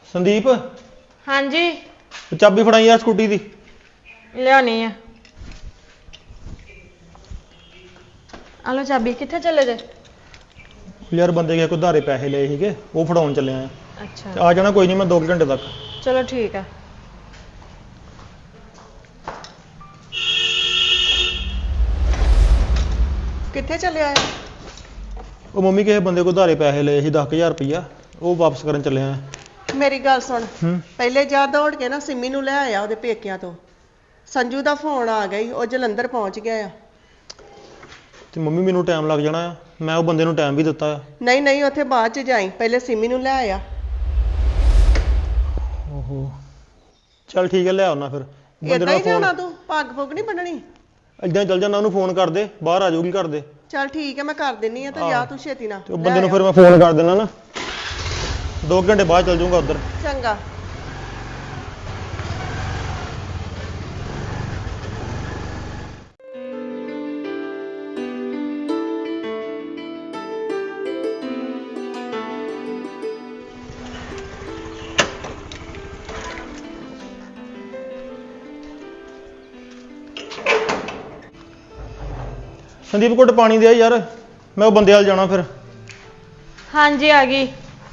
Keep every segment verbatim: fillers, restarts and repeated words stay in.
संदीप हाँ जी चाबी फड़ाई यार स्कूटी दी लियानी है। आलो चाबी कित्थे चले जे? यार बंदे के कोई धारे पैसे लए सीगे वो फड़ाउण चले आए। अच्छा आ जाना कोई नहीं मैं दो घंटे तक। चलो ठीक है। कित्थे चले आए? वो मम्मी के बंदे को धारे पैसे लए सी दस हज़ार रुपया वो वापस करन चले आए। मेरी गल सुन हम्म पहले जा दौड़ के ना सिमी नूं लै आया ਉਹਦੇ ਪੇਕਿਆਂ ਤੋਂ संजू ਦਾ ਫੋਨ ਆ ਗਈ ਉਹ ਜਲੰਧਰ ਪਹੁੰਚ ਗਿਆ ਆ। ਤੇ ਮੰਮੀ ਮੈਨੂੰ ਟਾਈਮ ਲੱਗ ਜਾਣਾ ਆ ਮੈਂ ਉਹ ਬੰਦੇ ਨੂੰ ਟਾਈਮ ਵੀ ਦਿੱਤਾ ਆ। ਨਹੀਂ ਨਹੀਂ ਉੱਥੇ ਬਾਅਦ ਚ ਜਾਈ ਪਹਿਲੇ ਸਿਮੀ ਨੂੰ ਲੈ ਆਇਆ। ਓਹੋ ਚੱਲ ਠੀਕ ਹੈ ਲੈ ਆਉਣਾ ਫਿਰ ਬੰਦੇ ਇਦਾਂ ਹੀ ਨੂੰ ਜਾਣਾ ਫੋਨ ਤੂੰ ਪੱਗ ਪੁੱਗ ਨਹੀਂ ਬੰਨਣੀ? ਇਦਾਂ ਚੱਲ ਜਾਣਾ ਉਹਨੂੰ ਫੋਨ ਕਰ ਦੇ ਬਾਹਰ ਆ ਜਾਊਗੀ ਘਰ ਦੇ। ਚੱਲ ਠੀਕ ਹੈ ਮੈਂ ਕਰ ਦਿੰਨੀ ਆ ਤੇ ਜਾ ਤੂੰ ਛੇਤੀ ਨਾਲ। ਤੇ ਉਹ ਬੰਦੇ ਨੂੰ ਫਿਰ ਮੈਂ ਫੋਨ ਕਰ ਦੇਣਾ ਨਾ ਦੋ ਘੰਟੇ ਬਾਅਦ ਚੱਲ ਜਾਊਂਗਾ ਉੱਧਰ। ਚੰਗਾ। संदीप घुट पानी दे यार मैं वो बंदे वाल जाना फिर। हाँ जी आ गई।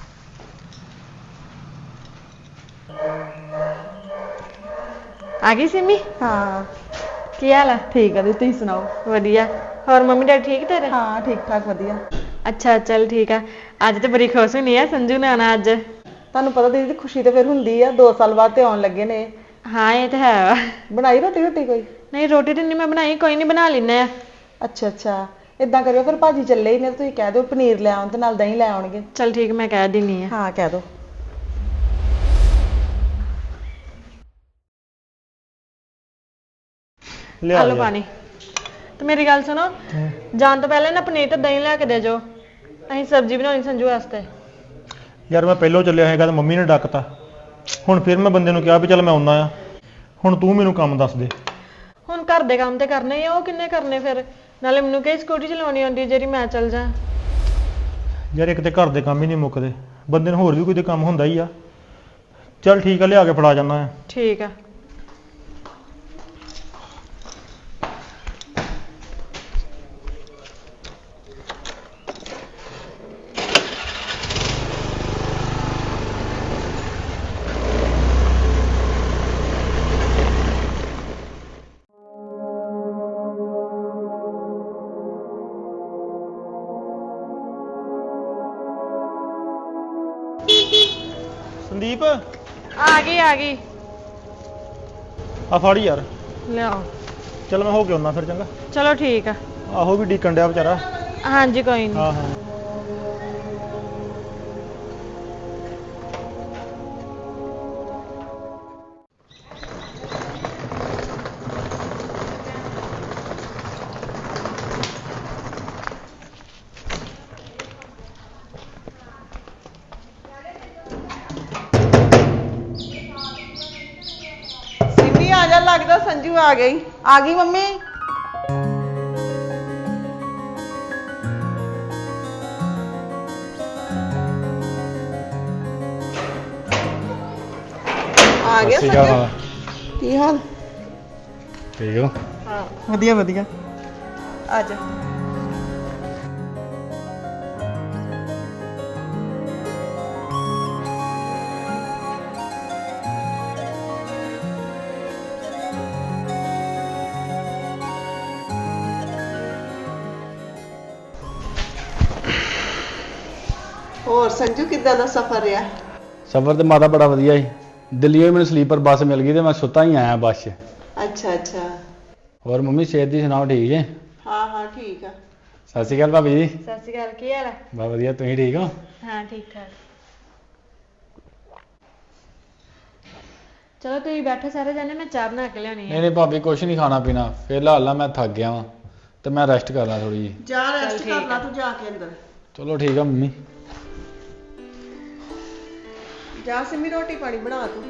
आ गई सिमी? हाँ की हाल है? ठीक है तुम सुनाओ? वधिया। और मम्मी डैडी ठीक तेरे? हाँ ठीक ठाक वधिया। अच्छा चल ठीक है। अज तो बड़ी खुश हुई है संजू ने आना अज। ਤੁਹਾਨੂੰ ਪਤਾ ਦੀਦੀ ਖੁਸ਼ੀ ਤੇ ਫਿਰ ਹੁੰਦੀ ਆ दो साल ਬਾਅਦ ਤੇ ਆਉਣ ਲੱਗੇ ਨੇ। हाँ ये तो है वा। ਬਣਾਈ ਰੋਟੀ ਰੋਟੀ ਕੋਈ? नहीं रोटी तो नहीं मैं बनाई कोई नहीं बना लेने। ਅੱਛਾ ਅੱਛਾ ਇਦਾਂ ਕਰਿਓ ਫਿਰ ਭਾਜੀ ਚੱਲੇ ਹੀ ਨੇ ਤੁਸੀਂ ਕਹਿ ਦਿਓ ਪਨੀਰ ਲੈ ਆਉਣ ਤੇ ਨਾਲ ਦਹੀਂ ਲੈ ਆਉਣਗੇ। चल ठीक मैं कह देनी है। ਹਾਂ ਕਹਿ ਦਿਓ। लिया आलो यार। पानी। तो मेरी गल सुनो जान तो पहले ना पनीर ते दही लैके दे जो असीं सब्जी बनानी संजू वास्ते। यार मैं पहलों चलिया हैगा तो मम्मी ने डकता हुण फिर मैं बंदे नूं कहा भी चल मैं आउणा आ हुण तू मैनूं काम दस दे। ਹੁਣ ਘਰ ਦੇ ਕੰਮ ਤੇ ਕਰਨੇ ਹੀ ਆ ਉਹ ਕਿੰਨੇ ਕਰਨੇ ਫਿਰ ਨਾਲੇ ਮੈਨੂੰ ਕਹੀ ਸਕੂਟੀ ਚਲਾਉਣੀ ਆਉਂਦੀ ਜਿਹੜੀ ਮੈਂ ਚੱਲ ਜਾ। ਯਾਰ ਇੱਕ ਤੇ ਘਰ ਦੇ ਕੰਮ ਹੀ ਨਹੀਂ ਮੁੱਕਦੇ ਬੰਦੇ ਨੂੰ ਹੋਰ ਵੀ ਕੋਈ ਤੇ ਕੰਮ ਹੁੰਦਾ ਹੀ ਆ। ਚੱਲ ਠੀਕ ਆ ਲਿਆ ਕੇ ਫੜਾ ਜਾਣਾ ਆ। ਠੀਕ ਆ। संदीप आ गई आ गई। आ फड़ यार लियाओ। चल मैं हो के आउणा फिर चंगा। चलो ठीक है। आहो भी डीकन डिया बेचारा। हाँ जी कोई नहीं। हाँ हाँ सिमी आ जा लगदा संजू आ गई। ਆ ਗਈ ਮੰਮੀ। आ गया ਸਤਿ ਸ਼੍ਰੀ संजू ਅਕਾਲ। की हाल? ठीक हो? हाँ ਵਧੀਆ ਵਧੀਆ। आ जा। ਹੋਰ ਸੰਜੂ ਕਿੱਦਾਂ ਦਾ ਸਫ਼ਰ ਰਿਹਾ? ਸਫ਼ਰ ਤੇ ਮਾਤਾ ਬੜਾ ਵਧੀਆ ਸੀ ਦਿੱਲੀੋਂ ਮੈਨੂੰ ਸਲੀਪਰ ਬੱਸ ਮਿਲ ਗਈ ਤੇ ਮੈਂ ਸੁੱਤਾ ਹੀ ਆਇਆ ਬੱਸ 'ਚ। ਅੱਛਾ ਅੱਛਾ। ਹੋਰ ਮੰਮੀ ਸਿਹਤ ਦੀ ਸੁਣਾਓ ਠੀਕ ਜੇ? ਹਾਂ ਹਾਂ ਠੀਕ ਆ। ਸਤਿ ਸ਼੍ਰੀ ਅਕਾਲ ਭਾਬੀ ਜੀ। सत श्री अकाल की हाल है? ਬਸ ਵਧੀਆ ਤੁਸੀਂ ਠੀਕ ਹੋ? हाँ ठीक ठाक। चलो तुम बैठो सारे जाने मैं चाह बना के लियानी ਨਹੀਂ है। ਨਹੀਂ ਭਾਬੀ ਕੁਛ ਨਹੀਂ ਖਾਣਾ ਪੀਣਾ ਫਿਲਹਾਲ ਨਾ ਮੈਂ ਥੱਕ ਗਿਆ ਵਾਂ ਤੇ ਮੈਂ ਰੈਸਟ ਕਰਨਾ ਥੋੜੀ ਜੀ। ਜਾ ਰੈਸਟ ਠੀਕ ਕਰ ਲਾ ਆ। ਤੂੰ ਜਾ ਕੇ ਅੰਦਰ। ਚਲੋ ਠੀਕ ਆ ਮੰਮੀ। ਜਾ ਸਿਮੀ ਰੋਟੀ ਪਾਣੀ ਬਣਾ ਤੂੰ।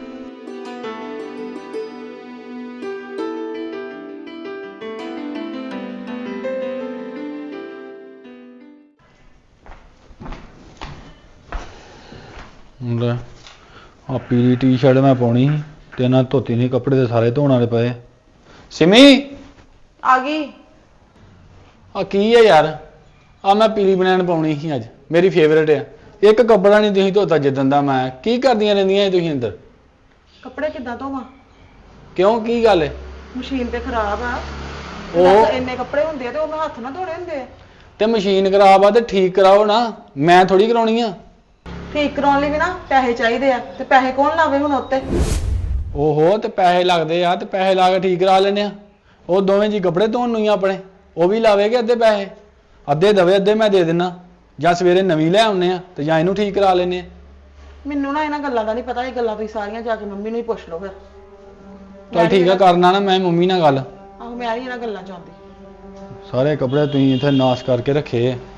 ਲੈ ਆ ਪੀਲੀ ਟੀ-ਸ਼ਰਟ ਮੈਂ ਪਾਉਣੀ ਸੀ ਤੇ ਇਹਨਾਂ ਧੋਤੀ ਨਹੀਂ, ਕੱਪੜੇ ਤੇ ਸਾਰੇ ਧੋਣ ਵਾਲੇ ਪਏ। ਸਿਮੀ ਆ ਗਈ। ਆ ਕੀ ਹੈ ਯਾਰ, ਆ ਮੈਂ ਪੀਲੀ ਬਨੈਣ ਪਾਉਣੀ ਸੀ ਅੱਜ, ਮੇਰੀ ਫੇਵਰੇਟ ਆ। ਇੱਕ ਕੱਪੜਾ ਨਹੀਂ ਤੁਸੀਂ ਧੋਤਾ ਜਿੱਦਣ ਦਾ ਮੈਂ। ਕੀ ਕਰਦੀਆਂ ਰਹਿੰਦੀਆਂ ਤੁਸੀਂ ਅੰਦਰ? ਕੱਪੜੇ ਕਿੱਦਾਂ ਧੋਵਾਂ? ਕਿਉਂ, ਕੀ ਗੱਲ ਹੈ? ਮਸ਼ੀਨ ਤੇ ਖਰਾਬ ਆ। ਉਹ ਇੰਨੇ ਕੱਪੜੇ ਹੁੰਦੇ ਆ ਤੇ ਉਹ ਮੈਂ ਹੱਥ ਨਾਲ ਧੋਣੇ ਹੁੰਦੇ ਆ। ਤੇ ਮਸ਼ੀਨ ਖਰਾਬ ਆ ਤੇ ਠੀਕ ਕਰਾਓ ਨਾ, ਮੈਂ ਥੋੜੀ ਕਰਾਉਣੀ ਆ। ਠੀਕ ਕਰਾਉਣ ਲਈ ਵੀ ਨਾ ਪੈਸੇ ਚਾਹੀਦੇ ਆ, ਤੇ ਪੈਸੇ ਕੌਣ ਲਾਵੇ ਹੁਣ ਉੱਤੇ? ਓਹੋ, ਤੇ ਪੈਸੇ ਲੱਗਦੇ ਆ ਤੇ ਪੈਸੇ ਲਾ ਕੇ ਠੀਕ ਕਰਾ ਲੈਨੇ ਆ। ਉਹ ਦੋਵੇਂ ਜੀ ਕੱਪੜੇ ਧੋਣ ਨੂੰ ਹੀ ਆਪਣੇ, ਉਹ ਵੀ ਲਾਵੇਗੇ ਅੱਧੇ ਪੈਸੇ। ਅੱਧੇ ਦਵੇ, ਅੱਧੇ ਮੈਂ ਦੇ ਦਿੰਨਾ, ਜਾਂ ਸਵੇਰੇ ਨਵੀਂ ਲੈ ਆਉਨੇ ਆ ਤੇ ਜਾਂ ਇਹਨੂੰ ਠੀਕ ਕਰਾ ਲੈਨੇ ਆ। ਮੈਨੂੰ ਨਾ ਇਹਨਾਂ ਗੱਲਾਂ ਦਾ ਨਹੀਂ ਪਤਾ, ਇਹ ਗੱਲਾਂ ਤੁਸੀਂ ਸਾਰੀਆਂ ਜਾ ਕੇ ਮੰਮੀ ਨੂੰ ਹੀ ਪੁੱਛ ਲਓ ਫਿਰ। ਚੱਲ ਠੀਕ ਆ, ਕਰਨਾ ਨਾ ਮੈਂ ਮੰਮੀ ਨਾਲ ਗੱਲ। ਆਹੋ, ਮੈਂ ਨਹੀਂ ਇਹਨਾਂ ਗੱਲਾਂ ਚਾਹੁੰਦੀ। ਸਾਰੇ ਕੱਪੜੇ ਤੁਸੀਂ ਇੱਥੇ ਨਾਸ਼ ਕਰਕੇ ਰੱਖੇ ਆ।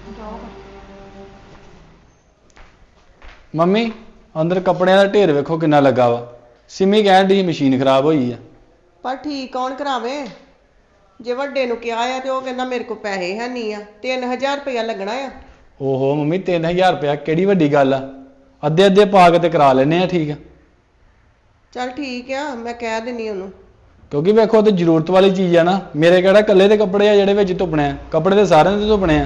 ਮੰਮੀ ਅੰਦਰ ਕੱਪੜਿਆਂ ਦਾ ਢੇਰ ਵੇਖੋ ਕਿੰਨਾ ਲੱਗਾ ਵਾ। ਸਿਮੀ ਕਹਿਣ ਦੀ ਮਸ਼ੀਨ ਖਰਾਬ ਹੋਈ ਆ। ਪਰ ਠੀਕ ਕੌਣ ਕਰਾਵੇ? ਜੇ ਵੱਡੇ ਨੂੰ ਕਿਹਾ ਆ ਤੇ ਉਹ ਕਹਿੰਦਾ ਮੇਰੇ ਕੋਲ ਪੈਸੇ ਹੈ ਨਹੀਂ ਆ। ਤਿੰਨ ਹਜ਼ਾਰ ਰੁਪਇਆ ਲੱਗਣਾ ਆ। ਓਹੋ ਮੰਮੀ, ਤਿੰਨ ਹਜ਼ਾਰ ਰੁਪਇਆ ਕਿਹੜੀ ਵੱਡੀ ਗੱਲ ਆ? ਅੱਧੇ ਅੱਧੇ ਪਾ ਕੇ ਤੇ ਕਰਾ ਲੈਨੇ ਆ ਠੀਕ ਆ। ਚੱਲ ਠੀਕ ਆ, ਮੈਂ ਕਹਿ ਦਿੰਨੀ ਉਹਨੂੰ। ਕਿਉਂਕਿ ਵੇਖੋ ਤੇ ਜ਼ਰੂਰਤ ਵਾਲੀ ਚੀਜ਼ ਆ ਨਾ। ਮੇਰੇ ਕਿਹੜਾ ਇਕੱਲੇ ਦੇ ਕੱਪੜੇ ਆ ਜਿਹੜੇ ਵਿੱਚ ਧੁੱਪਣੇ ਆ? ਕੱਪੜੇ ਤੇ ਸਾਰਿਆਂ ਦੇ ਧੁੱਪਣੇ ਆ।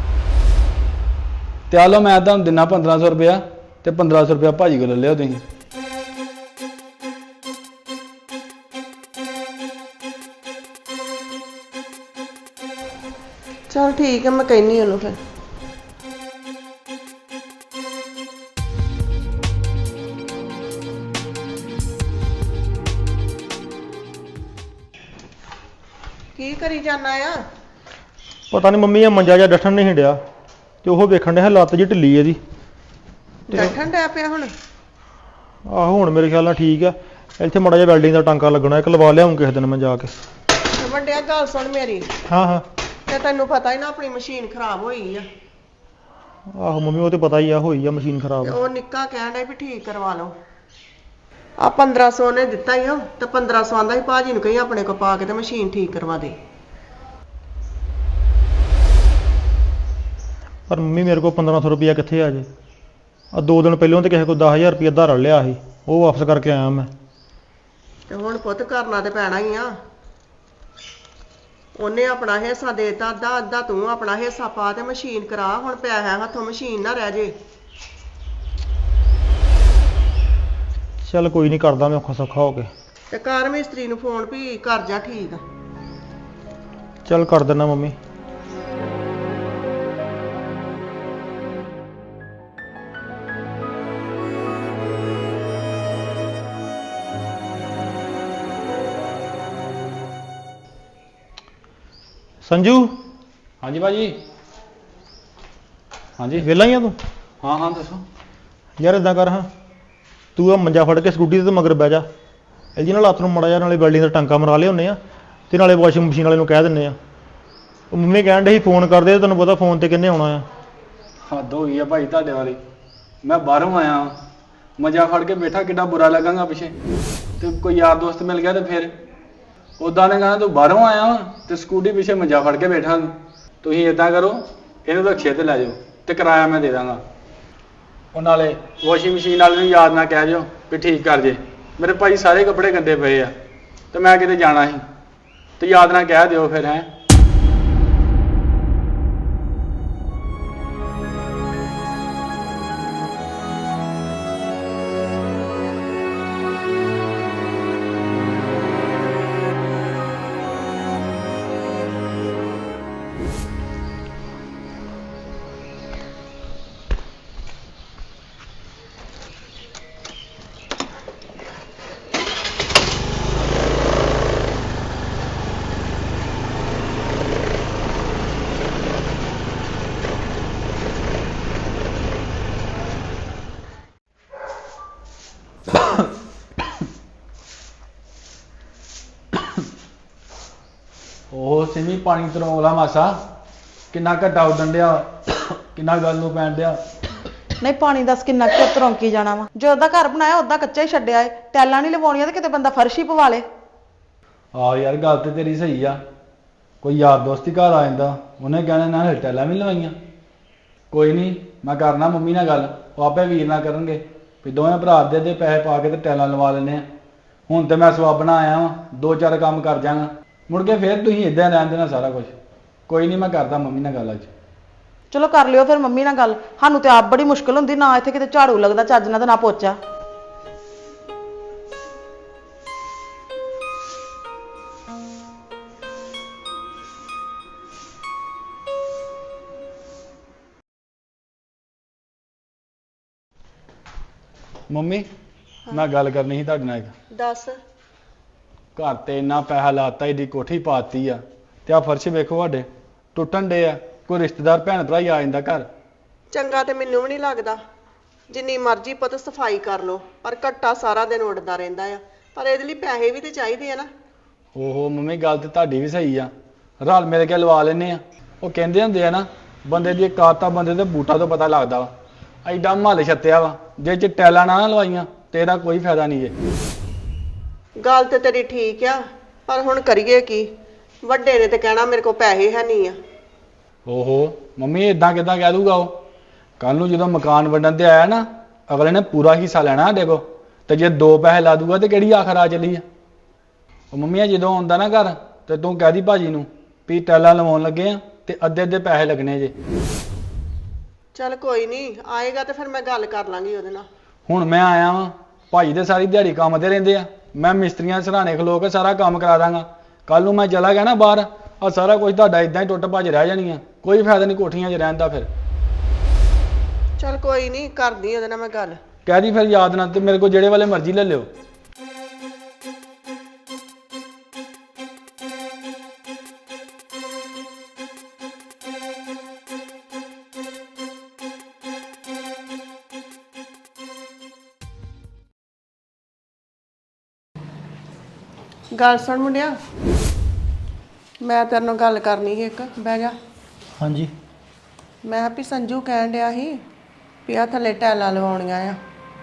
ਤੇ ਆ ਲਓ, ਮੈਂ ਤੁਹਾਨੂੰ ਦਿਨਾ ਪੰਦਰਾਂ ਸੌ ਰੁਪਇਆ ਤੇ ਪੰਦਰਾਂ ਸੌ ਰੁਪਇਆ ਭਾਜੀ ਕੋਲ ਲੈ ਲਿਓ ਤੁਸੀਂ। ਚੱਲ ਠੀਕ ਆ, ਮੈਂ ਕਹਿੰਨੀ ਉਹਨੂੰ ਫਿਰ। ਕੀ ਕਰੀ ਜਾਨਾ ਆ? ਪਤਾ ਨਹੀਂ ਮੰਮੀ, ਇਹ ਮੰਜਾ ਜਿਹਾ ਡੱਠਣ ਨਹੀਂ ਹਿੰਡਿਆ ਤੇ ਉਹ ਵੇਖਣ ਡਿਆ ਲੱਤ ਜੀ ਢਿੱਲੀ ਇਹਦੀ। ਬੈਠਣ ਡਿਆ ਪਿਆ ਹੁਣ? ਆਹੋ, ਹੁਣ ਮੇਰੇ ਖਿਆਲ ਨਾਲ ਠੀਕ ਆ। ਇੱਥੇ ਮਾੜਾ ਜਿਹਾ ਵੈਲਡਿੰਗ ਦਾ ਟਾਂਕਾ ਲੱਗਣਾ, ਇੱਕ ਲਵਾ ਲਿਆਉਂ ਕਿਸੇ ਦਿਨ ਮੈਂ ਜਾ ਕੇ। ਤੇ ਵੱਡਿਆ ਗੱਲ ਸੁਣ ਮੇਰੀ। ਹਾਂ ਹਾਂ। ਤੇ ਤੈਨੂੰ ਪਤਾ ਹੀ ਨਾ ਆਪਣੀ ਮਸ਼ੀਨ ਖਰਾਬ ਹੋਈ ਆ। ਆਹੋ ਮੰਮੀ, ਉਹ ਤੇ ਪਤਾ ਹੀ ਆ, ਹੋਈ ਆ ਮਸ਼ੀਨ ਖਰਾਬ। ਤੇ ਉਹ ਨਿੱਕਾ ਕਹਿਣ ਡਿਆ ਵੀ ਠੀਕ ਕਰਵਾ ਲਓ। ਆ ਪੰਦਰਾਂ ਸੌ ਨੇ ਦਿੱਤਾ ਹੀ ਆ, ਤੇ ਪੰਦਰਾਂ ਸੌ ਆਂਦਾ ਸੀ ਭਾਜੀ ਨੂੰ ਕਹੀ ਆਪਣੇ ਕੋ ਪਾ ਕੇ ਤੇ ਮਸ਼ੀਨ ਠੀਕ ਕਰਵਾ ਦੇ। ਪਰ ਮੰਮੀ ਮੇਰੇ ਕੋਲ ਪੰਦਰਾਂ ਸੌ ਰੁਪਇਆ ਕਿੱਥੇ ਆ ਜੇ? ਆ ਦੋ ਦਿਨ ਪਹਿਲਾਂ ਤੇ ਕਿਸੇ ਕੋਲ ਦਸ ਹਜ਼ਾਰ ਰੁਪਇਆ ਧਾਰ ਲਿਆ ਸੀ, ਉਹ ਵਾਪਸ ਕਰਕੇ ਆਇਆ ਮੈਂ। ਤੇ ਹੁਣ ਪੁੱਤ ਕਰਨਾ ਤੇ ਪੈਣਾ ਹੀ ਆ। ਉਹਨੇ ਆਪਣਾ ਹਿੱਸਾ ਦੇਤਾ, ਅੱਧਾ ਅੱਧਾ ਤੂੰ ਆਪਣਾ ਹਿੱਸਾ ਪਾ ਤੇ ਮਸ਼ੀਨ ਕਰਾ। ਹੁਣ ਪਿਆ ਹੈ ਹੱਥੋਂ, ਮਸ਼ੀਨ ਨਾ ਰਹਿ ਜੇ। ਚੱਲ ਕੋਈ ਨਹੀਂ, ਕਰਦਾ ਮੈਂ ਔਖਾ ਸੌਖਾ ਹੋ ਕੇ। ਤੇ ਕਾਰ ਮਿਸਤਰੀ ਨੂੰ ਫੋਨ ਵੀ ਕਰ ਜਾ ਠੀਕ ਆ। ਚੱਲ ਕਰ ਦਿੰਦਾ ਮੰਮੀ। ਸੰਜੂ, ਹਾਂਜੀ ਭਾਜੀ। ਹਾਂਜੀ ਵਿਹਲਾ ਹੀ ਆ ਤੂੰ? ਹਾਂ ਹਾਂ ਦੱਸੋ। ਯਾਰ ਇਦਾਂ ਕਰ, ਹਾਂ ਤੂੰ ਆ ਮੰਜਾ ਫੜ ਕੇ ਸਕੂਟੀ ਤੇ ਮਗਰ ਬਹਿ ਜਾ। ਇਹਦੀ ਨਾਲ ਹੱਥ ਨੂੰ ਮਾੜਾ ਜਿਹਾ ਨਾਲੇ ਵੈਲਡਿੰਗ ਦਾ ਟਾਂਕਾ ਮਰਾ ਲਿਆਉਂਦੇ ਆ ਤੇ ਨਾਲੇ ਵਾਸ਼ਿੰਗ ਮਸ਼ੀਨ ਵਾਲੇ ਨੂੰ ਕਹਿ ਦਿੰਦੇ ਆ। ਉਹ ਮੰਮੀ ਕਹਿਣ ਡੇ ਸੀ ਫੋਨ ਕਰਦੇ, ਤੈਨੂੰ ਪਤਾ ਫੋਨ ਤੇ ਕਿੰਨੇ ਆਉਣਾ ਆ। ਹੱਦ ਹੋ ਗਈ ਆ ਭਾਈ ਤੁਹਾਡੇ ਵਾਲੀ। ਮੈਂ ਬਾਹਰੋਂ ਆਇਆ, ਮਜ਼ਾ ਫੜ ਕੇ ਬੈਠਾ, ਕਿੱਡਾ ਬੁਰਾ ਲੱਗਾਂਗਾ ਪਿੱਛੇ। ਤੇ ਕੋਈ ਯਾਰ ਦੋਸਤ ਮਿਲ ਗਿਆ ਤੇ ਫਿਰ ਉਦਾਂ ਨੇ ਕਹਿਣਾ ਤੂੰ ਬਾਹਰੋਂ ਆਇਆ ਵਾ ਤੇ ਸਕੂਟੀ ਪਿੱਛੇ ਮਜ਼ਾ ਫੜ ਕੇ ਬੈਠਾ। ਤੁਸੀਂ ਏਦਾਂ ਕਰੋ, ਇਹਨੂੰ ਰਕਸ਼ੇ ਤੇ ਲੈ ਜਾਓ ਤੇ ਕਿਰਾਇਆ ਮੈਂ ਦੇ ਦਾਂਗਾ। ਉਹ ਨਾਲੇ ਵਾਸ਼ਿੰਗ ਮਸ਼ੀਨ ਵਾਲੇ ਨੂੰ ਯਾਦ ਨਾ ਕਹਿ ਜਾਓ ਵੀ ਠੀਕ ਕਰ ਜੇ। ਮੇਰੇ ਭਾਈ ਸਾਰੇ ਕੱਪੜੇ ਗੰਦੇ ਪਏ ਆ ਤੇ ਮੈਂ ਕਿਤੇ ਜਾਣਾ ਸੀ, ਤੇ ਯਾਦ ਨਾ ਕਹਿ ਦਿਓ ਫਿਰ। ਹੈ ਉਹ ਸਿਮੀ, ਪਾਣੀ ਤਰੋਲਾ ਮਾਸਾ, ਕਿੰਨਾ ਘੱਟਾ ਉੱਡਣ ਡਿਆ, ਕਿੰਨਾ ਗੱਲ ਨੂੰ ਪੈਣ ਡਿਆ। ਨਹੀਂ, ਪਾਣੀ ਦੱਸ ਕਿੰਨਾ ਕੁ ਤਰੌਂਕੀ ਜਾਣਾ ਵਾ? ਜੋ ਉਹਦਾ ਘਰ ਬਣਾਇਆ ਉਹਦਾ ਕੱਚਾ ਹੀ ਛੱਡਿਆ ਏ। ਟੈਲਾਂ ਨਹੀਂ ਲਵਾਉਣੀਆਂ ਤੇ ਕਿਤੇ ਬੰਦਾ ਫਰਸ਼ ਹੀ ਪਵਾ ਲੇ। ਆਹ ਯਾਰ ਗੱਲ ਤੇ ਤੇਰੀ ਸਹੀ ਆ। ਕੋਈ ਯਾਰ ਦੋਸਤ ਹੀ ਘਰ ਆ ਜਾਂਦਾ, ਉਹਨੇ ਕਹਿਣਾ ਨਾ ਟੈਲਾਂ ਵੀ ਲਵਾਈਆਂ। ਕੋਈ ਨਹੀਂ, ਮੈਂ ਕਰਨਾ ਮੰਮੀ ਨਾਲ ਗੱਲ, ਉਹ ਆਪੇ ਵੀਰ ਨਾਲ ਕਰਨਗੇ ਵੀ ਦੋਵੇਂ ਭਰਾ ਦੇ ਦੇ ਪੈਸੇ ਪਾ ਕੇ ਤੇ ਟੈਲਾਂ ਲਵਾ ਲੈਂਦੇ ਆ। ਹੁਣ ਤੇ ਮੈਂ ਸਵਾਬਣਾ ਆਇਆ ਵਾਂ, ਦੋ ਚਾਰ ਕੰਮ ਕਰ ਜਾਵਾਂਗਾ, ਮੁੜ ਕੇ ਫਿਰ ਤੁਸੀਂ ਇਦਾਂ ਰਹਿਣ ਦੇਣਾ ਸਾਰਾ ਕੁਝ। ਕੋਈ ਨਹੀਂ, ਮੈਂ ਕਰਦਾ ਮੰਮੀ ਨਾਲ ਗੱਲ ਅੱਜ। ਚਲੋ ਕਰ ਲਿਓ ਫਿਰ ਮੰਮੀ ਨਾਲ ਗੱਲ। ਸਾਨੂੰ ਤੇ ਆਪ ਬੜੀ ਮੁਸ਼ਕਲ ਹੁੰਦੀ, ਨਾ ਇੱਥੇ ਕਿਤੇ ਝਾੜੂ ਲੱਗਦਾ ਚੱਜ ਨਾਲ ਤੇ ਨਾ ਪੋਚਾ। ਮੰਮੀ ਮੈਂ ਗੱਲ ਕਰਨੀ ਸੀ ਤੁਹਾਡੇ ਨਾਲ ਇੱਕ। ਦੱਸ। ਘਰ ਤੇ ਇੰਨਾ ਪੈਸਾ ਲਾਤਾ, ਇਹਦੀ ਕੋਠੀ ਪਾਤੀ ਆ, ਤੇ ਆ ਫਰਸ਼ ਵੇਖੋ ਸਾਡੇ ਟੁੱਟਣ ਡੇ ਆ। ਕੋਈ ਰਿਸ਼ਤੇਦਾਰ ਭੈਣ ਭਰਾ ਹੀ ਆ ਜਾਂਦਾ ਘਰ। ਚੰਗਾ ਤੇ ਮੈਨੂੰ ਵੀ ਨਹੀਂ ਲੱਗਦਾ। ਜਿੰਨੀ ਮਰਜ਼ੀ ਪੁੱਤ ਸਫਾਈ ਕਰ ਲੋ, ਪਰ ਘੱਟਾ ਸਾਰਾ ਦਿਨ ਉੱਡਦਾ ਰਹਿੰਦਾ ਆ। ਪਰ ਇਹਦੇ ਲਈ ਪੈਸੇ ਵੀ ਤੇ ਚਾਹੀਦੇ ਆ ਨਾ। ਓਹੋ ਮੰਮੀ, ਗੱਲ ਤੇ ਤੁਹਾਡੀ ਵੀ ਸਹੀ ਆ, ਰਲ ਮਿਲ ਕੇ ਲਵਾ ਲੈਨੇ ਆ। ਉਹ ਕਹਿੰਦੇ ਹੁੰਦੇ ਆ ਨਾ, ਬੰਦੇ ਦੀ ਕਾਤਾ ਬੰਦੇ ਦੇ ਬੂਟਾ ਤੋਂ ਪਤਾ ਲੱਗਦਾ ਵਾ। ਐਡਾ ਮਹੱਲ ਛੱਤਿਆ ਵਾ, ਜੇ ਚ ਟੈਲਾਂ ਨਾ ਲਵਾਈਆਂ ਤੇ ਇਹਦਾ ਕੋਈ ਫਾਇਦਾ ਨਹੀਂ ਜੇ। ਗੱਲ ਤੇ ਤੇਰੀ ਠੀਕ ਆ, ਪਰ ਹੁਣ ਕਰੀਏ ਕੀ? ਵੱਡੇ ਨੇ ਤੇ ਕਹਿਣਾ ਮੇਰੇ ਕੋਲ ਪੈਸੇ ਹੈ ਨਹੀਂ ਆ। ਓਹੋ ਮੰਮੀ, ਇਦਾਂ ਕਿਦਾਂ ਕਹਿ ਦੂਗਾ ਉਹ? ਕੱਲ ਨੂੰ ਜਦੋਂ ਮਕਾਨ ਵੰਡਣ ਤੇ ਆਇਆ ਨਾ, ਅਗਲੇ ਨੇ ਪੂਰਾ ਹਿੱਸਾ ਲੈਣਾ ਸਾਡੇ ਕੋਲ। ਤੇ ਜੇ ਦੋ ਪੈਸੇ ਲਾ ਦੂਗਾ ਤੇ ਕਿਹੜੀ ਆਖਰ ਆ ਚੱਲੀ ਆ? ਉਹ ਮੰਮੀ ਆ ਜਦੋਂ ਆਉਂਦਾ ਨਾ ਘਰ, ਤੇ ਤੂੰ ਕਹਿ ਦੀ ਭਾਜੀ ਨੂੰ ਵੀ ਟੈਲਾਂ ਲਵਾਉਣ ਲੱਗੇ ਆ ਤੇ ਅੱਧੇ ਅੱਧੇ ਪੈਸੇ ਲੱਗਣੇ ਜੇ। ਚੱਲ ਕੋਈ ਨਹੀਂ, ਆਏਗਾ ਤੇ ਫਿਰ ਮੈਂ ਗੱਲ ਕਰ ਲਾਂਗੀ ਉਹਦੇ ਨਾਲ। ਹੁਣ ਮੈਂ ਆਇਆ ਵਾਂ, ਭਾਜੀ ਤੇ ਸਾਰੀ ਦਿਹਾੜੀ ਕੰਮ ਤੇ ਰਹਿੰਦੇ ਆ, ਮੈਂ ਮਿਸਤਰੀਆਂ ਸਰਾਣੇ ਖਲੋ ਕੇ ਸਾਰਾ ਕੰਮ ਕਰਾ ਦਾਂਗਾ। ਕੱਲ ਨੂੰ ਮੈਂ ਚਲਾ ਗਿਆ ਨਾ ਬਾਹਰ, ਆ ਸਾਰਾ ਕੁਝ ਤੁਹਾਡਾ ਇਦਾਂ ਹੀ ਟੁੱਟ ਭੱਜ ਰਹਿ ਜਾਣੀਆਂ। ਕੋਈ ਫਾਇਦਾ ਨਹੀਂ ਕੋਠੀਆਂ 'ਚ ਰਹਿਣ ਦਾ। ਫਿਰ ਚੱਲ ਕੋਈ ਨਹੀਂ, ਕਰਦੀ ਉਹਦੇ ਨਾਲ ਮੈਂ ਗੱਲ। ਕਹਿ ਦੀ ਫਿਰ ਯਾਦ ਨਾ, ਤੇ ਮੇਰੇ ਕੋਲ ਜਿਹੜੇ ਵਾਲੇ ਮਰਜ਼ੀ ਲੈ ਲਿਓ। ਗੱਲ ਸੁਣ ਮੁੰਡਿਆ, ਮੈਂ ਤੇਰੇ ਨਾਲ ਗੱਲ ਕਰਨੀ ਸੀ ਇੱਕ। ਬਹਿ ਜਾ। ਹਾਂਜੀ। ਮੈਂ ਕਿਹਾ ਵੀ ਸੰਜੂ ਕਹਿਣ ਡਿਆ ਸੀ ਵੀ ਆ ਥੱਲੇ ਟੈਲਾਂ ਲਵਾਉਣੀਆਂ ਆ।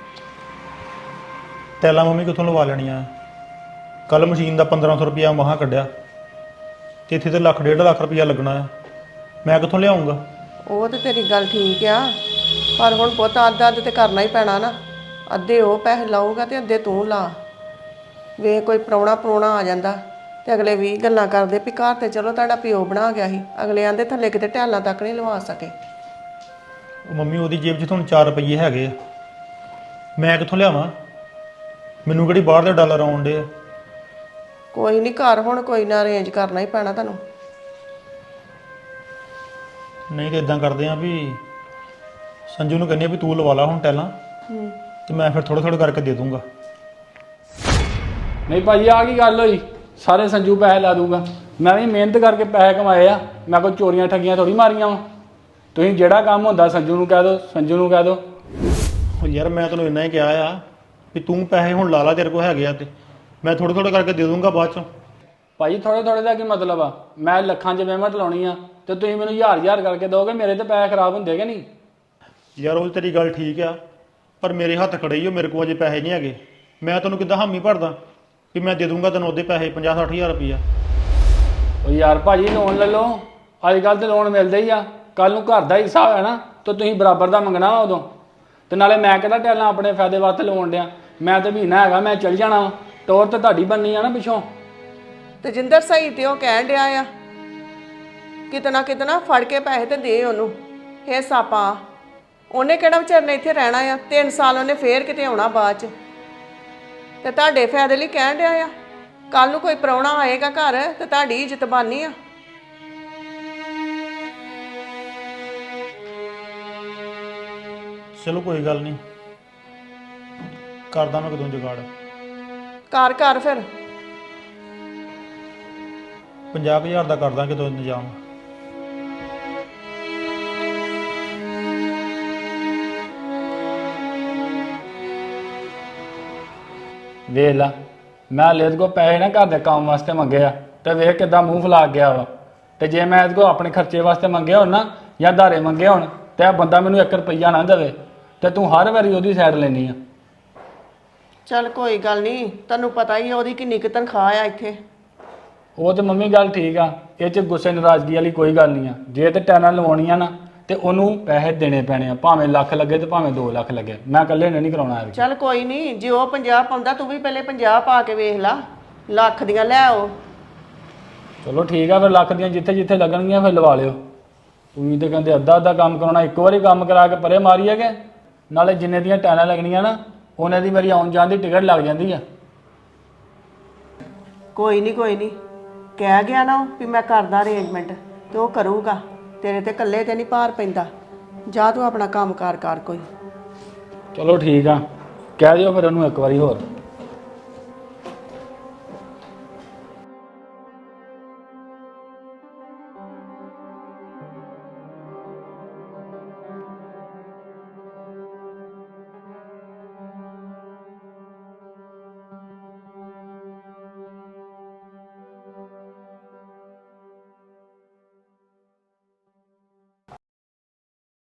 ਟੈਲਾਂ ਮੰਮੀ ਕਿੱਥੋਂ ਲਵਾ ਲੈਣੀਆਂ? ਕੱਲ ਮਸ਼ੀਨ ਦਾ ਪੰਦਰਾਂ ਸੌ ਰੁਪਇਆ ਮਹਾਂ ਕੱਢਿਆ, ਤੇ ਇੱਥੇ ਤੇ ਲੱਖ ਡੇਢ ਲੱਖ ਰੁਪਇਆ ਲੱਗਣਾ ਆ। ਮੈਂ ਕਿੱਥੋਂ ਲਿਆਉਂਗਾ? ਉਹ ਤੇ ਤੇਰੀ ਗੱਲ ਠੀਕ ਆ, ਪਰ ਹੁਣ ਪੁੱਤ ਅੱਧ ਅੱਧ ਤੇ ਕਰਨਾ ਹੀ ਪੈਣਾ ਨਾ। ਅੱਧੇ ਉਹ ਪੈਸੇ ਲਾਊਗਾ ਤੇ ਅੱਧੇ ਤੂੰ ਲਾ। ਵੇ ਕੋਈ ਪ੍ਰਾਹੁਣਾ ਪ੍ਰਾਹੁਣਾ ਆ ਜਾਂਦਾ ਤੇ ਅਗਲੇ ਵੀ ਗੱਲਾਂ ਕਰਦੇ ਵੀ ਘਰ ਤੇ ਚਲੋ ਤੁਹਾਡਾ ਪਿਓ ਬਣਾ ਗਿਆ ਸੀ, ਅਗਲੇ ਆਂਦੇ ਥੱਲੇ ਕਿਤੇ ਟੈਲਾਂ ਤੱਕ ਨਹੀਂ ਲਵਾ ਸਕੇ। ਉਹ ਮੰਮੀ ਉਹਦੀ ਜੇਬ 'ਚ ਤੁਹਾਨੂੰ ਚਾਰ ਰੁਪਈਏ ਹੈਗੇ ਆ, ਮੈਂ ਕਿੱਥੋਂ ਲਿਆਵਾਂ? ਮੈਨੂੰ ਕਿਹੜੀ ਬਾਹਰ ਦੇ ਡਾਲਰ ਆਉਣ ਡੇ ਆ? ਕੋਈ ਨਹੀਂ, ਘਰ ਹੁਣ ਕੋਈ ਨਾ ਅਰੇਂਜ ਕਰਨਾ ਹੀ ਪੈਣਾ ਤੁਹਾਨੂੰ। ਨਹੀਂ ਤੇ ਇਦਾਂ ਕਰਦੇ ਆ ਵੀ ਸੰਜੂ ਨੂੰ ਕਹਿੰਦੇ ਆ ਵੀ ਤੂੰ ਲਵਾ ਲਾ ਹੁਣ ਟੈਲਾਂ, ਤੇ ਮੈਂ ਫਿਰ ਥੋੜ੍ਹਾ ਥੋੜ੍ਹਾ ਕਰਕੇ ਦੇ ਦੂੰਗਾ। ਨਹੀਂ ਭਾਜੀ, ਆ ਕੀ ਗੱਲ ਹੋਈ? ਸਾਰੇ ਸੰਜੂ ਪੈਸੇ ਲਾ ਦੂਗਾ? ਮੈਂ ਵੀ ਮਿਹਨਤ ਕਰਕੇ ਪੈਸੇ ਕਮਾਏ ਆ, ਮੈਂ ਕੋਈ ਚੋਰੀਆਂ ਠੱਗੀਆਂ ਥੋੜੀ ਮਾਰੀਆਂ ਵਾ। ਤੁਸੀਂ ਜਿਹੜਾ ਕੰਮ ਹੁੰਦਾ ਸੰਜੂ ਨੂੰ ਕਹਿ ਦਿਓ, ਸੰਜੂ ਨੂੰ ਕਹਿ ਦਿਓ। ਉਹ ਯਾਰ ਮੈਂ ਤੈਨੂੰ ਇੰਨਾ ਹੀ ਕਿਹਾ ਆ ਵੀ ਤੂੰ ਪੈਸੇ ਹੁਣ ਲਾ ਲਾ, ਤੇਰੇ ਕੋਲ ਹੈਗੇ ਆ, ਤੇ ਮੈਂ ਥੋੜ੍ਹਾ ਥੋੜ੍ਹਾ ਕਰਕੇ ਦੇ ਦੂੰਗਾ ਬਾਅਦ 'ਚੋਂ। ਭਾਜੀ ਥੋੜੇ ਥੋੜੇ ਦਾ ਕੀ ਮਤਲਬ ਆ? ਮੈਂ ਲੱਖਾਂ 'ਚ ਪੇਮੈਂਟ ਲਾਉਣੀ ਆ ਤੇ ਤੁਸੀਂ ਮੈਨੂੰ ਹਜ਼ਾਰ ਹਜ਼ਾਰ ਕਰਕੇ ਦੋਗੇ, ਮੇਰੇ ਤੇ ਪੈਸੇ ਖਰਾਬ ਹੁੰਦੇ ਕਿ ਨਹੀਂ? ਯਾਰ ਉਹ ਤੇਰੀ ਗੱਲ ਠੀਕ ਆ, ਪਰ ਮੇਰੇ ਹੱਥ ਖੜੇ ਹੀ ਉਹ, ਮੇਰੇ ਕੋਲ ਅਜੇ ਪੈਸੇ ਨਹੀਂ ਹੈਗੇ। ਮੈਂ ਤੈਨੂੰ ਕਿੱਦਾਂ ਹਾਮੀ ਭਰਦਾ ਕਿ ਮੈਂ ਦੇ ਦੂੰਗਾ ਤੈਨੂੰ ਉਹਦੇ ਪੈਸੇ ਪੰਜਾਹ ਸੱਠ ਹਜ਼ਾਰ ਰੁਪਈਆ? ਉਹ ਯਾਰ ਭਾਜੀ ਲੋਨ ਲੈ ਲਓ, ਅੱਜ ਕੱਲ੍ਹ ਤੇ ਲੋਨ ਮਿਲਦੇ ਹੀ ਆ। ਕੱਲ ਨੂੰ ਘਰ ਦਾ ਹਿੱਸਾ ਹੋਇਆ ਨਾ ਤਾਂ ਤੁਸੀਂ ਬਰਾਬਰ ਦਾ ਮੰਗਣਾ ਵਾ ਉਦੋਂ। ਤੇ ਨਾਲੇ ਮੈਂ ਕਿਹੜਾ ਟੈਲਾਂ ਆਪਣੇ ਫਾਇਦੇ ਵਾਸਤੇ ਲਵਾਉਣ ਡਿਆ? ਮੈਂ ਤੇ ਮਹੀਨਾ ਹੈਗਾ, ਮੈਂ ਚੱਲ ਜਾਣਾ। ਟੋਰ ਤੇ ਤੁਹਾਡੀ ਬਣਨੀ ਆ ਨਾ ਪਿੱਛੋਂ। ਤੇ ਜਿੰਦਰ ਸਹੀ ਤੇ ਉਹ ਕਹਿਣ ਡਿਆ ਆ, ਕਿਤਨਾ ਕਿਤਨਾ ਫੜ ਕੇ ਪੈਸੇ ਤੇ ਦੇ ਉਹਨੂੰ, ਹਿੱਸਾ ਪਾ। ਉਹਨੇ ਕਿਹੜਾ ਵਿਚਾਰ ਨੇ ਇੱਥੇ ਰਹਿਣਾ ਆ? ਤਿੰਨ ਸਾਲ ਉਹਨੇ ਫੇਰ ਕਿਤੇ ਆਉਣਾ ਬਾਅਦ 'ਚ। ਤੇ ਤੁਹਾਡੇ ਫਾਇਦੇ ਲਈ ਕਹਿਣ ਡਿਆ ਆ। ਕੱਲ ਨੂੰ ਕੋਈ ਪ੍ਰਾਹੁਣਾ ਆਏਗਾ ਘਰ ਤੇ ਤੁਹਾਡੀ ਇੱਜ਼ਤ ਬਾਨੀ ਆ। ਚਲੋ ਕੋਈ ਗੱਲ ਨਹੀਂ, ਕਰਦਾ ਮੈਂ ਕਦੋਂ ਜੁਗਾੜ। ਕਰ ਕਰ ਫਿਰ ਪੰਜਾਹ ਕੁ ਹਜ਼ਾਰ ਦਾ ਕਰਦਾ ਕਿਦੋਂ ਇੰਤਜ਼ਾਮ। ਵੇਖ ਲਾ, ਮੈਂ ਇਹਦੇ ਕੋਲ ਪੈਸੇ ਨਾ ਘਰ ਦੇ ਕੰਮ ਵਾਸਤੇ ਮੰਗੇ ਆ, ਤੇ ਵੇਖ ਕਿੱਦਾਂ ਮੂੰਹ ਫੁਲਾ ਗਿਆ ਵਾ। ਤੇ ਜੇ ਮੈਂ ਇਹਦੇ ਕੋਲ ਆਪਣੇ ਖਰਚੇ ਵਾਸਤੇ ਮੰਗੇ ਹੋਣ ਨਾ, ਜਾਂ ਧਾਰੇ ਮੰਗੇ ਹੋਣ, ਤੇ ਇਹ ਬੰਦਾ ਮੈਨੂੰ ਇੱਕ ਰੁਪਈਆ ਨਾ ਦੇਵੇ, ਤੇ ਤੂੰ ਹਰ ਵਾਰੀ ਉਹਦੀ ਸਾਈਡ ਲੈਣੀ ਆ। ਚੱਲ ਕੋਈ ਗੱਲ ਨਹੀਂ, ਤੈਨੂੰ ਪਤਾ ਹੀ ਆ ਉਹਦੀ ਕਿੰਨੀ ਕੁ ਤਨਖਾਹ ਆ ਇੱਥੇ। ਉਹ ਤੇ ਮੰਮੀ ਗੱਲ ਠੀਕ ਆ, ਇਹ 'ਚ ਗੁੱਸੇ ਨਾਰਾਜ਼ਗੀ ਵਾਲੀ ਕੋਈ ਗੱਲ ਨਹੀਂ ਆ। ਜੇ ਤੇ ਟੈਨਾਂ ਲਵਾਉਣੀਆਂ ਨਾ ਤੇ ਉਹਨੂੰ ਪੈਸੇ ਦੇਣੇ ਪੈਣੇ ਆ, ਭਾਵੇਂ ਲੱਖ ਲੱਗੇ ਤੇ ਭਾਵੇਂ ਦੋ ਲੱਖ ਲੱਗੇ। ਮੈਂ ਇਕੱਲੇ ਨੇ ਨਹੀਂ ਕਰਾਉਣਾ ਇਹ। ਚੱਲ ਕੋਈ ਨਹੀਂ, ਜੇ ਉਹ ਪੰਜਾਹ ਪਾਉਂਦਾ ਤੂੰ ਵੀ ਪਹਿਲੇ ਪੰਜਾਹ ਪਾ ਕੇ ਵੇਖ ਲਾ, ਲੱਖ ਦੀਆਂ ਲੈ ਆਓ। ਚਲੋ ਠੀਕ ਆ, ਫਿਰ ਲੱਖ ਦੀਆਂ ਜਿੱਥੇ ਜਿੱਥੇ ਲੱਗਣਗੀਆਂ ਫਿਰ ਲਵਾ ਲਿਓ। ਤੁਸੀਂ ਤੇ ਕਹਿੰਦੇ ਅੱਧਾ ਅੱਧਾ ਕੰਮ ਕਰਾਉਣਾ, ਇੱਕ ਵਾਰੀ ਕੰਮ ਕਰਾ ਕੇ ਪਰੇ ਮਾਰੀ ਹੈਗੇ। ਨਾਲੇ ਜਿੰਨੇ ਦੀਆਂ ਟੈਨਾਂ ਲੱਗਣੀਆਂ ਨਾ ਉਹਨੇ ਦੀ ਮੇਰੀ ਆਉਣ ਜਾਣ ਦੀ ਟਿਕਟ ਲੱਗ ਜਾਂਦੀ ਆ। ਕੋਈ ਨਹੀਂ ਕੋਈ ਨਹੀਂ, ਕਹਿ ਗਿਆ ਨਾ ਉਹ ਵੀ ਮੈਂ ਕਰਦਾ ਅਰੇਂਜਮੈਂਟ ਤੇ ਉਹ ਕਰੂਗਾ। ਤੇਰੇ ਤੇ ਇਕੱਲੇ ਤੇ ਨਹੀਂ ਭਾਰ ਪੈਂਦਾ। ਜਾ ਤੂੰ ਆਪਣਾ ਕੰਮ ਕਾਰ ਕਰ ਕੋਈ। ਚਲੋ ਠੀਕ ਆ, ਕਹਿ ਦਿਓ ਫਿਰ ਉਹਨੂੰ ਇੱਕ ਵਾਰੀ ਹੋਰ।